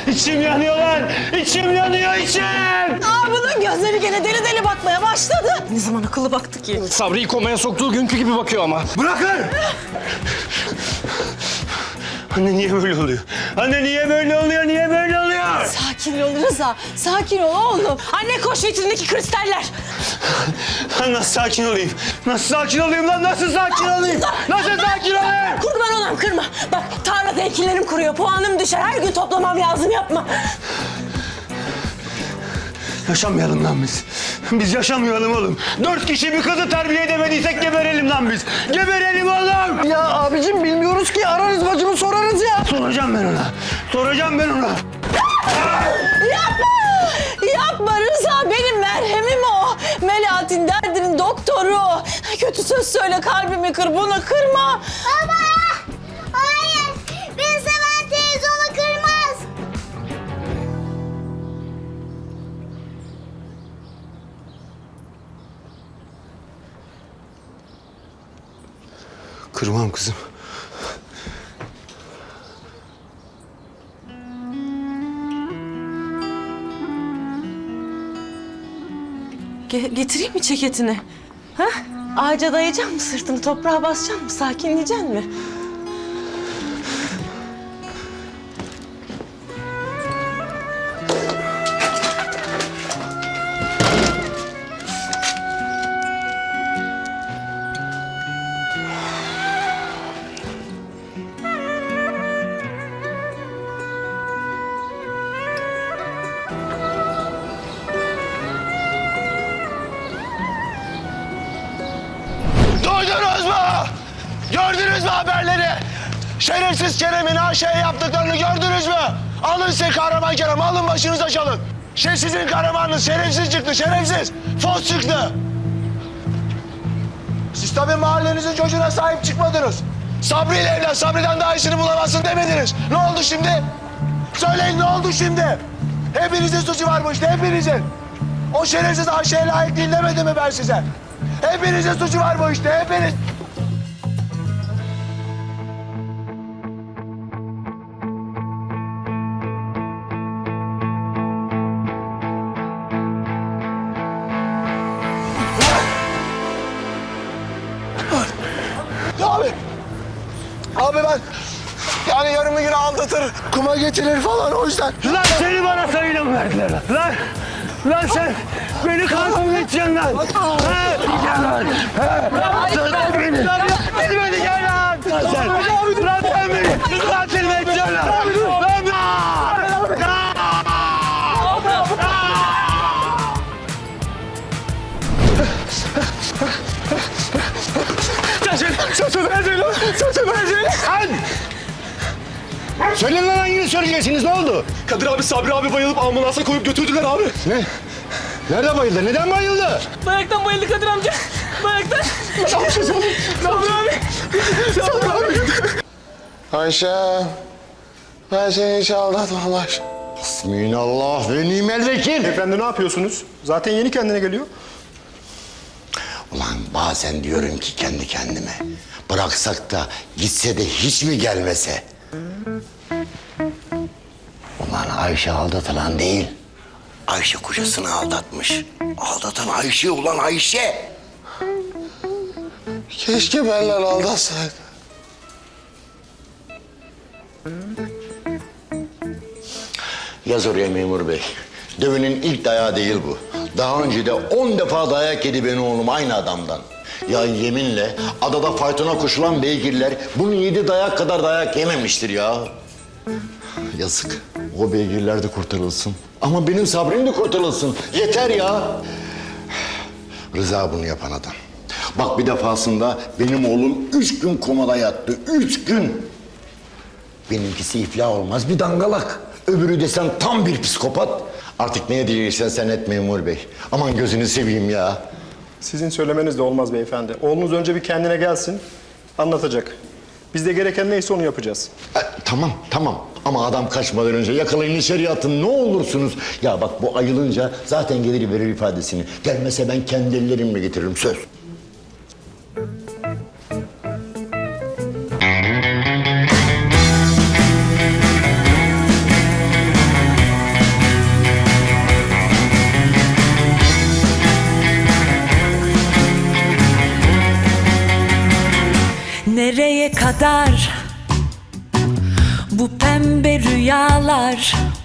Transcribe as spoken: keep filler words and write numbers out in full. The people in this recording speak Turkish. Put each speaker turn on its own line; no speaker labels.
İçim yanıyor lan! İçim yanıyor, içim!
Aa, bunun gözleri gene deli deli bakmaya başladı. Ne zaman akıllı baktı ki?
Sabri'yi komaya soktuğu günkü gibi bakıyor ama.
Bırakın! Anne niye böyle oluyor? Anne niye böyle oluyor? Niye böyle oluyor?
Sakin ol Rıza. Sakin ol oğlum. Anne koş vitrindeki kristaller.
Nasıl sakin olayım? Nasıl sakin olayım lan? Nasıl sakin olayım? Nasıl sakin olayım?
Kurban olam kırma. Bak tarlada ekinlerim kuruyor. Puanım düşer. Her gün toplamam lazım yapma.
Yaşamayalım lan biz. Biz yaşamayalım oğlum. Dört kişi bir kızı terbiye edemediysek geberelim lan biz. Geberelim oğlum.
Ya abicim bilmiyoruz ki. Ararız bacımı sorarız ya.
Soracağım ben ona. Soracağım ben ona.
Yapma! Yapma Rıza. Benim merhemim o. Melahat'in derdinin doktoru. Kötü söz söyle kalbimi kır. Bunu kırma.
Baba! Hayır! Beni seven televizyonu kırmaz.
Kırmam kızım.
Ge- getireyim mi ceketini? Ha? Ağaca dayayacaksın mı sırtını? Toprağa basacaksın mı? Sakinleyeceksin mi?
Duydunuz mu? Gördünüz mü haberleri? Şerefsiz Kerem'in Ayşe'ye yaptıklarını gördünüz mü? Alın size kahraman Kerem, alın başınıza çalın. Şey sizin kahramanınız şerefsiz çıktı, şerefsiz. Fos çıktı. Siz tabii mahallenizin çocuğuna sahip çıkmadınız. Sabri ile evlen, Sabri'den daha iyisini bulamazsın demediniz. Ne oldu şimdi? Söyleyin ne oldu şimdi? Hepinizin suçu var bu işte, hepinizin. O şerefsiz Ayşe'ye layık değil demedim mi ben size? Hepinizin suçu var bu işte, hepiniz. Abi, abi ben yani yarım gün aldatır, kuma getirir falan o yüzden.
Lan seni bana sayıyla mı verdiler lan? Lan, lan sen beni kankam edeceksin lan. Ha? Gel lan. Ha? Lan beni. Beni beni gel lan. Lan sen. Lan sen beni. Lan seni mi edeceksin lan? Lan
Söyleyin lan hangini söyleyeceksiniz, ne oldu?
Kadir abi Sabri abi bayılıp ambulansa koyup götürdüler abi.
Ne? Nerede bayıldı? Neden bayıldı?
Bayaktan bayıldı Kadir amca. Bayaktan.
Sabri abi. Sabri abi.
Ayşe, ben seni hiç aldatmam Ayşe. Hasbinallah ve nimel vekil.
Efendi ne yapıyorsunuz? Zaten yeni kendine geliyor.
Ulan bazen diyorum ki kendi kendime, bıraksak da gitse de hiç mi gelmese? Ulan Ayşe aldatılan değil, Ayşe kocasını aldatmış. Aldatan Ayşe ulan Ayşe. Keşke benimle aldatsaydı. Yaz oraya memur bey. Dövünün ilk dayağı değil bu. Daha önce de on defa dayak yedi benim oğlum aynı adamdan. Ya yeminle adada faytona koşulan beygirler bunun yedi dayak kadar dayak yememiştir ya. Yazık. O beygirler de kurtarılsın. Ama benim Sabri'm de kurtarılsın. Yeter ya. Rıza bunu yapan adam. Bak bir defasında benim oğlum üç gün komada yattı. Üç gün. Benimkisi iflah olmaz bir dangalak. Öbürü desen tam bir psikopat. Artık ne diyeceksen sen et memur bey. Aman gözünü seveyim ya.
Sizin söylemeniz de olmaz beyefendi. Oğlunuz önce bir kendine gelsin, anlatacak. Biz de gereken neyse onu yapacağız.
E, tamam, tamam. Ama adam kaçmadan önce yakalayın içeri atın ne olursunuz. Ya bak bu ayılınca zaten gelir verir ifadesini. Gelmese ben kendi ellerimle getiririm söz.
kadar bu pembe rüyalar